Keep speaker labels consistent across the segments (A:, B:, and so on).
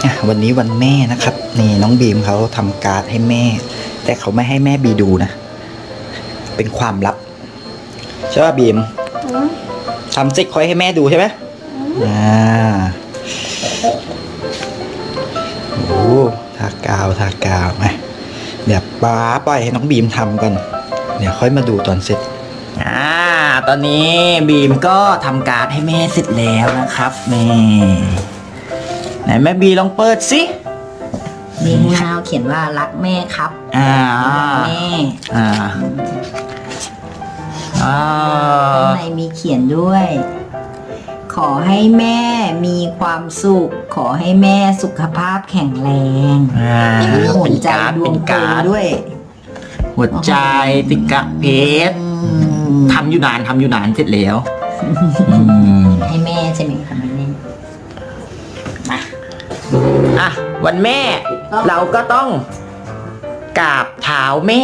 A: วันนี้วันแม่นะครับนี่น้องบีมเขาทำการ์ดให้แม่แต่เขาไม่ให้แม่บีดูนะเป็นความลับใช่ป่ะบีมทำเสร็จค่อยให้แม่ดูใช่ไหมโอ้ทากาวไหมเดี๋ยวป้าปล่อยให้น้องบีมทำก่อนเดี๋ยวค่อยมาดูตอนเสร็จตอนนี้บีมก็ทำการ์ดให้แม่เสร็จแล้วนะครับนี่ไหนแม่บีลองเปิดสิ
B: นี่ฮาวเขียนว่ารักแม่ครับแม่ข้างในมีเขียนด้วย ขอให้แม่มีความสุขขอให้แม่สุขภาพแข็งแรงหัวใจดวงโตด้วย
A: หัวใจติกะเพชรทำอยู่นานเสร็จแล้ว
B: ให้แม่ใช่ไหมคะแม่
A: มาวันแม่เราก็ต้องกราบเท้าแม่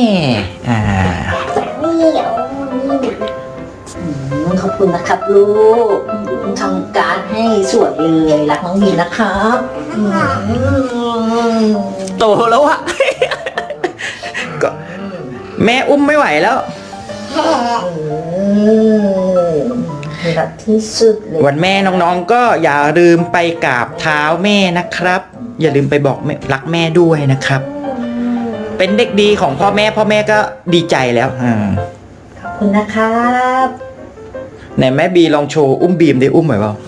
B: ขอบคุณนะครับลูกทำการให้สวยเลยรักน้องบีนะครับ
A: โตแล้วอะก็แม่อุ้มไม่ไหวแล้ว
B: รักที่สุดเลย
A: วันแม่น้องๆก็อย่าลืมไปกราบเท้าแม่นะครับอย่าลืมไปบอกรักแม่ด้วยนะครับเป็นเด็กดีของพ่อแม่ก็ดีใจแล้ว
B: ขอบคุณนะครับ
A: ไหนแม่บีลองโชว์อุ้มบีมได้อุ้มไหมเปล่า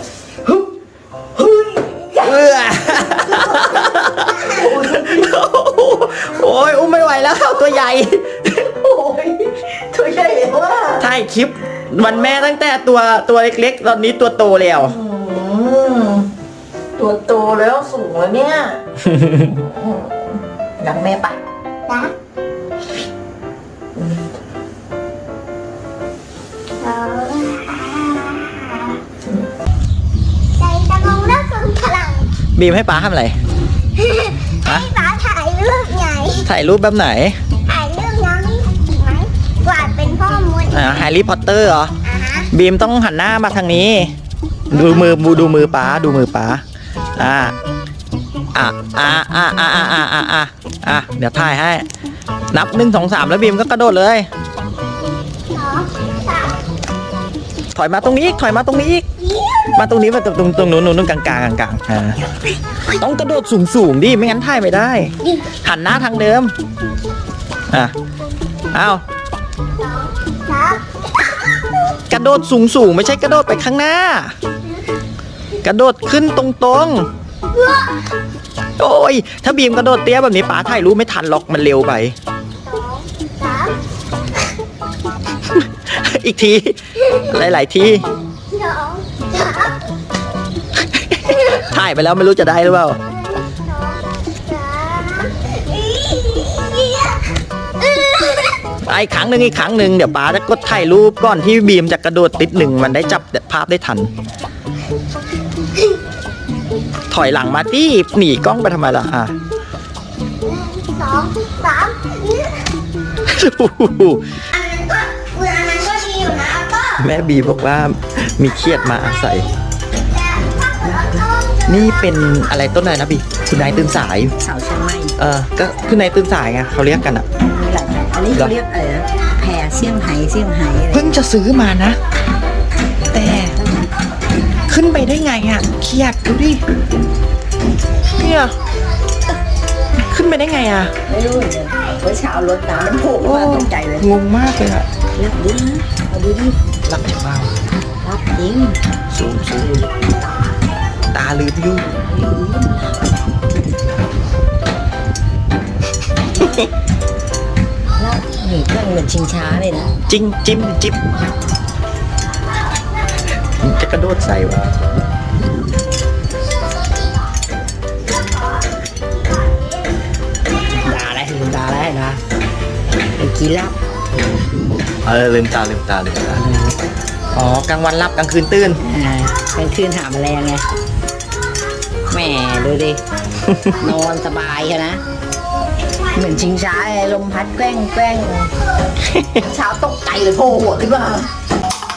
A: โอ้ยอุ้มไม่ไหวแล้วตัวใหญ่
B: ตัวใหญ่เลยว่า
A: ถ่ายคลิปวันแม่ตั้งแต่ตัวเล็กๆตอนนี้ตัวโตแล้ว
B: ตัวโตแล้วสูงแล้วเนี่ยรักแม่ปะรัก
A: บีมให้ป๋าทำอะไร
C: ให้ป๋าถ่ายรูปไง
A: ถ่ายรูปแบบไหน
C: ถ่ายรูปน้องไหมวาดเป็นพ่อมด
A: แฮร์รี่พอตเตอร์เหรอบีมต้องหันหน้ามาทางนี้ดูมือป๋าเดี๋ยวถ่ายให้นับ1 2 3แล้วบีมก็กระโดดเลยถอยมาตรงนี้อีกมาตรงนี้มาตรงนู้นกลางต้องกระโดดสูงดิไม่งั้นถ่ายไม่ได้หันหน้าทางเดิมเอากระโดดสูงไม่ใช่กระโดดไปข้างหน้ากระโดดขึ้นตรงโอ้ยถ้าบีมกระโดดเตี้ยแบบนี้ป๋าถ่ายรูปไม่ทันหรอกมันเร็วไปอีกทีหลายทีถ่ายไปแล้วไม่รู้จะได้หรือเปล่าอีกครั้งหนึ่งเดี๋ยวป๋าจะกดถ่ายรูปก่อนที่บีมจะกระโดดติด1มันได้จับภาพได้ทันถอยหลังมาที่หนีกล้องไปทำไมล่ะ
C: 2 3อันนั้นก็ดีอยู่นะ
A: แม่บีบอกว่ามีเครียดมาอาศัยนี่เป็นอะไรต้นอะไรนะบีคุณนายตื่นสาย
B: สาวเชียงใหม่
A: ก็คุณนายตื่นสายไงเขาเรียกกัน
B: อันนี้เขาเรียกอะไรนะแพรเซี่ยงไฮ้
A: เพิ่งจะซื้อมานะแต่ขึ้นไปได้ไงเครียดดูดิเนี่ยขึ้นไปได้ไง
B: ไม่รู้เลยเมื่อเช้ารถน้ำมันโผล่มาตกใจเลย
A: งงมากเลย
B: รักดิเอาดูดิ
A: รักจะเบา
B: รักจริง
A: สูงตาลืมอยู่
B: แล้วนี่เครื่องเหมือนชิงช้าเลยนะ
A: จิ๊บจะกระโดดใส่วะ
B: ลืมตาแล้วนะเป็นกีรับ
A: ลืมตาอ๋อกลางวันรับกลางคืนตื่น
B: กลางคืนหาแมลงไงแหมดูดินอนสบายใช่นะเหมือนชิงช้าลมพัดแกล้งเช้าตกใจเลยโผล่หัวขึ้นมา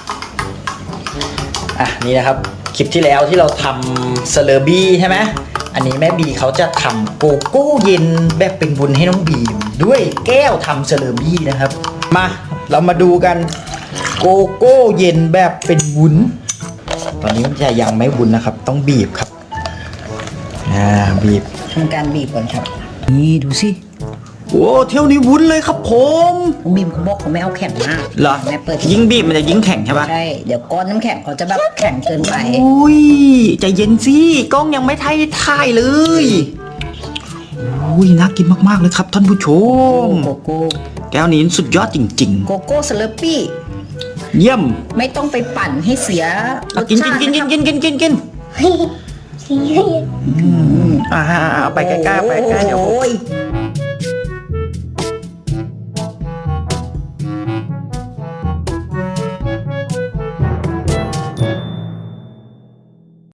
A: นี่นะครับคลิปที่แล้วที่เราทำสเลอร์บี้ใช่ไหมอันนี้แม่บีเขาจะทำโกโก้เย็นแบบเป็นวุ้นให้น้องบีมด้วยแก้วทำเซเลอร์บี้นะครับ มาเรามาดูกันโกโก้เย็นแบบเป็นวุ้นตอนนี้มันจะยังไม่วุ้นนะครับ ต้องบีบครับบีบ
B: ทำการบีบก่อนครับ นี่ดูสิ
A: โอ้เที่ยวนี้วุ้นเลยครับผม
B: น้องบีมเขาบอกเขาไม่เอาแข็งมาก
A: เหรอ
B: แม่เปิด
A: ยิ่งบีบมันจะยิ่งแข็งใช่ปะ
B: ใช่เดี๋ยวก้อนน้ำแข็งเขาจะแบบแข็งเกินไป
A: อุ้ยใจเย็นสิกล้องยังไม่ถ่ายเลยอุ้ยน่ากินมากๆเลยครับท่านผู้ชม
B: โกโก้
A: แก้วนี้สุดยอดจริง
B: โกโก้สเลอปี้
A: ๆ เยี่ยม
B: ไม่ต้องไปปั่นให้เสียรส
A: กิน
B: ชาติ
A: กิน
B: นะครับ
A: กินเอาไปใกล้ๆไปใกล้ๆเดี๋ยว
B: โอ้ย